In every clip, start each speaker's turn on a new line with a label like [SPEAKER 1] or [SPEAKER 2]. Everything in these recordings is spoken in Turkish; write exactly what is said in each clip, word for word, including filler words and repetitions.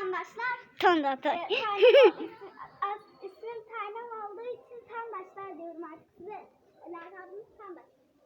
[SPEAKER 1] Tandaşlar.
[SPEAKER 2] Tandaşlar.
[SPEAKER 1] E, ismim, ismim Tanem olduğu için Tandaşlar diyorum artık size. Lakabımız Tandaş.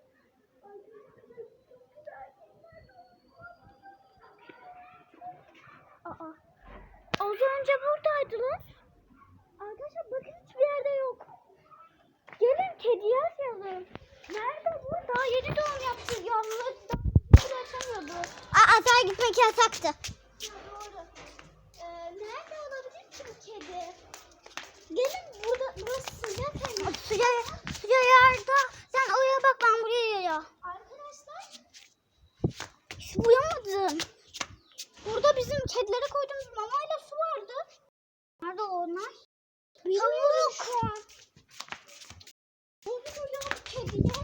[SPEAKER 1] Aa. Az önce buradaydılar. Arkadaşlar bakın hiçbir yerde yok. Gelin kediye açalım. Nerede bu? Daha yeni doğum yaptı. Yalnız daha açamıyordu.
[SPEAKER 2] Aa, atağa gitmek yasaktı.
[SPEAKER 1] Ha, doğru. Ee, nerede olabilir ki bu kedi? Gelin burada, burası sıcak hem.
[SPEAKER 2] Suya, suya yarda. Sen oraya bak, ben buraya ya.
[SPEAKER 1] Arkadaşlar
[SPEAKER 2] Hiç uyamadım.
[SPEAKER 1] burada bizim kedilere koyduğumuz mamayla su vardı.
[SPEAKER 2] Nerede onlar?
[SPEAKER 1] Bilmiyorum şu an. Bugün uyan kediye.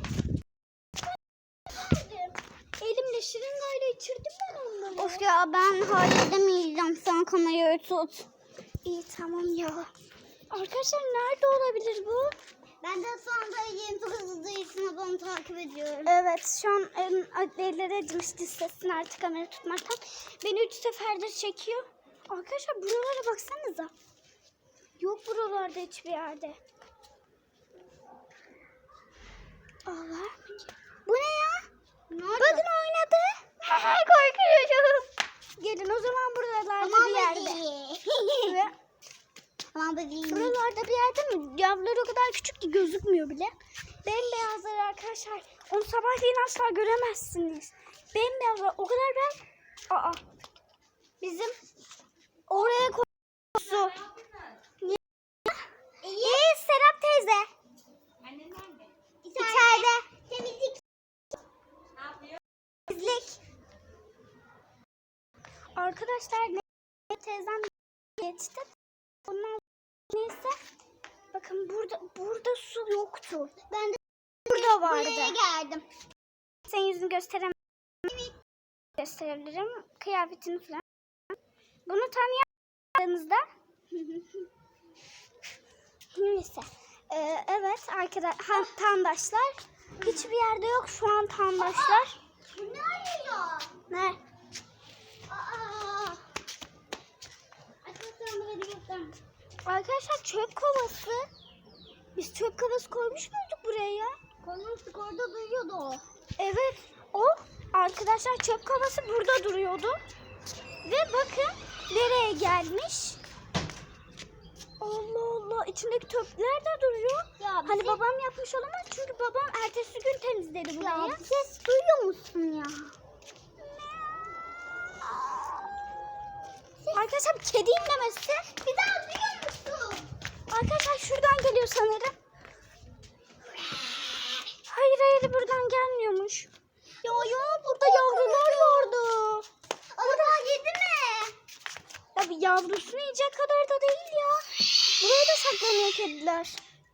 [SPEAKER 1] Elimle şırıngayla içirdim ben onları.
[SPEAKER 2] Of ya, ben halledemeyeceğim. Sen kamerayı tut.
[SPEAKER 1] İyi tamam ya. Arkadaşlar nerede olabilir bu?
[SPEAKER 2] Ben de sonra yeni hızlı için onu takip ediyorum.
[SPEAKER 1] Evet şu an elleri acımıştı sesini artık kamera tutmaktan. Beni üç seferdir çekiyor. Arkadaşlar buralara baksanıza. Yok buralarda hiçbir yerde. Aa, var mı?
[SPEAKER 2] Bu ne ya?
[SPEAKER 1] Nerede? Bakın oynadı. Korkuyorum. Gelin o zaman buralarda
[SPEAKER 2] Aman
[SPEAKER 1] bir yerde. Ve
[SPEAKER 2] Aman bebeğim.
[SPEAKER 1] buralarda bir yerde mi? Yavruları o kadar küçük ki gözükmüyor bile. Bembeyazlar arkadaşlar. Onu sabahleyin asla göremezsiniz. Bembeyazlar o kadar ben... Aa. Bizim oraya koyduğu. İyi Serap teyze.
[SPEAKER 2] Annen nerede?
[SPEAKER 1] İçeride.
[SPEAKER 2] Temizlik.
[SPEAKER 1] Ne yapıyor? Temizlik. Arkadaşlar ne teyzem geçti. Ondan neyse. Bakın burada burada su yoktu.
[SPEAKER 2] Ben de
[SPEAKER 1] Burada vardı.
[SPEAKER 2] buraya geldim.
[SPEAKER 1] Senin yüzünü gösteremem. Gösterebilirim. Kıyafetini falan. Bunu tanıyamadığınızda neyse. Ee, evet arkadaşlar tandaşlar hiçbir yerde yok şu an tandaşlar.
[SPEAKER 2] Bu ne arıyor?
[SPEAKER 1] Ne?
[SPEAKER 2] Aa. Arkadaşlar buraya göstereyim.
[SPEAKER 1] Arkadaşlar çöp kovası. Biz çöp kovası koymuş muyduk buraya?
[SPEAKER 2] Konuştuk, orada duyuyordu o.
[SPEAKER 1] Evet. O arkadaşlar çöp kovası burada duruyordu. Ve bakın nereye gelmiş. Allah Allah, içindeki çöpler de duruyor.
[SPEAKER 2] Ya
[SPEAKER 1] Hani babam yapmış olamaz çünkü babam ertesi gün temizledi
[SPEAKER 2] Ya
[SPEAKER 1] burayı.
[SPEAKER 2] bir ses duyuyor musun ya?
[SPEAKER 1] Arkadaşlar kedi inlemesi.
[SPEAKER 2] Bir daha duyuyor musun?
[SPEAKER 1] Arkadaşlar şuradan geliyor sanırım. Hayır hayır buradan gelmiyormuş.
[SPEAKER 2] Ya ya
[SPEAKER 1] Burada yavrular vardı.
[SPEAKER 2] Orada yedi mi?
[SPEAKER 1] Ya bir yavrusunu yiyecek kadar da değil ya. Buraya da saklanıyor kediler.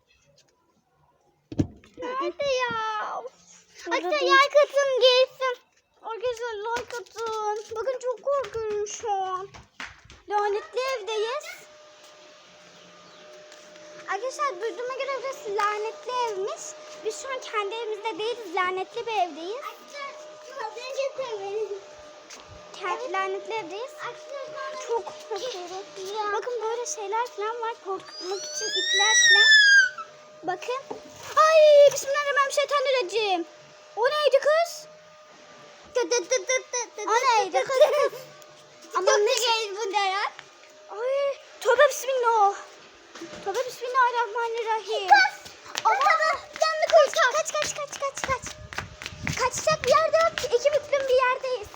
[SPEAKER 2] Nerede ya?
[SPEAKER 1] Burada
[SPEAKER 2] Arkadaşlar
[SPEAKER 1] değil.
[SPEAKER 2] yer katın gelsin.
[SPEAKER 1] Arkadaşlar like atın. Bakın çok korkuyorum şu an. Lanetli evdeyiz. Arkadaşlar duyduğuma göre burası lanetli evmiş. Biz şu an kendi evimizde değiliz. Lanetli bir evdeyiz.
[SPEAKER 2] Arkadaşlar az önce söyledim.
[SPEAKER 1] Kendi lanetli evdeyiz. Çok korkuyorum. Bakın böyle şeyler falan var. Korkutmak için ipler falan. Bakın. Ay bismillahirrahmanirrahim. O neydi kız? O neydi kız?
[SPEAKER 2] Aman ne geldi bu ne ya?
[SPEAKER 1] Ay tövbe bismillah. Tövbe bismillahirrahmanirrahim.
[SPEAKER 2] Kız.
[SPEAKER 1] Ama
[SPEAKER 2] Canlı koş.
[SPEAKER 1] kaç kaç kaç kaç kaç. Kaçacak bir yerde yok ki. İki büklüm bir yerdeyiz.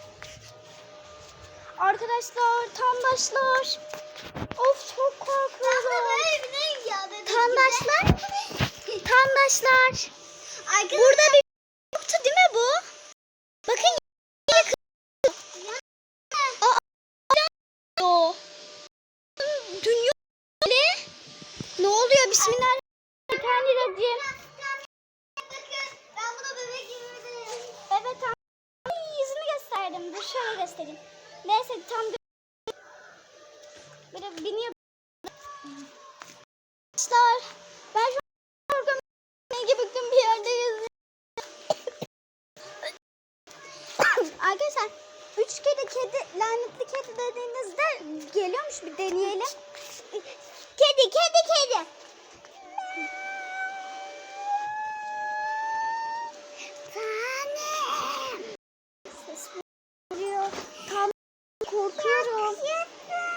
[SPEAKER 1] Arkadaşlar, tandaşlar. Of çok korkuyorum. Tandaşlar. Tandaşlar. Burada bir yoktu değil mi bu? Bakın o. Dünya ne? Ne oluyor? Bismillahirrahmanirrahim.
[SPEAKER 2] Ben buna bebek gibi.
[SPEAKER 1] Evet tam. Ay, yüzünü gösterdim. Dur şöyle göstereyim. Neyse tam böyle biniyor. Arkadaşlar ben şu an korkuyorum. Ne gibi büklüm bir yerdeyiz. Arkadaşlar üç kedi kedi lanetli kedi dediğinizde geliyormuş, bir deneyelim.
[SPEAKER 2] Kedi, kedi, kedi. Tanem.
[SPEAKER 1] Ses geliyor. Tam korkuyorum.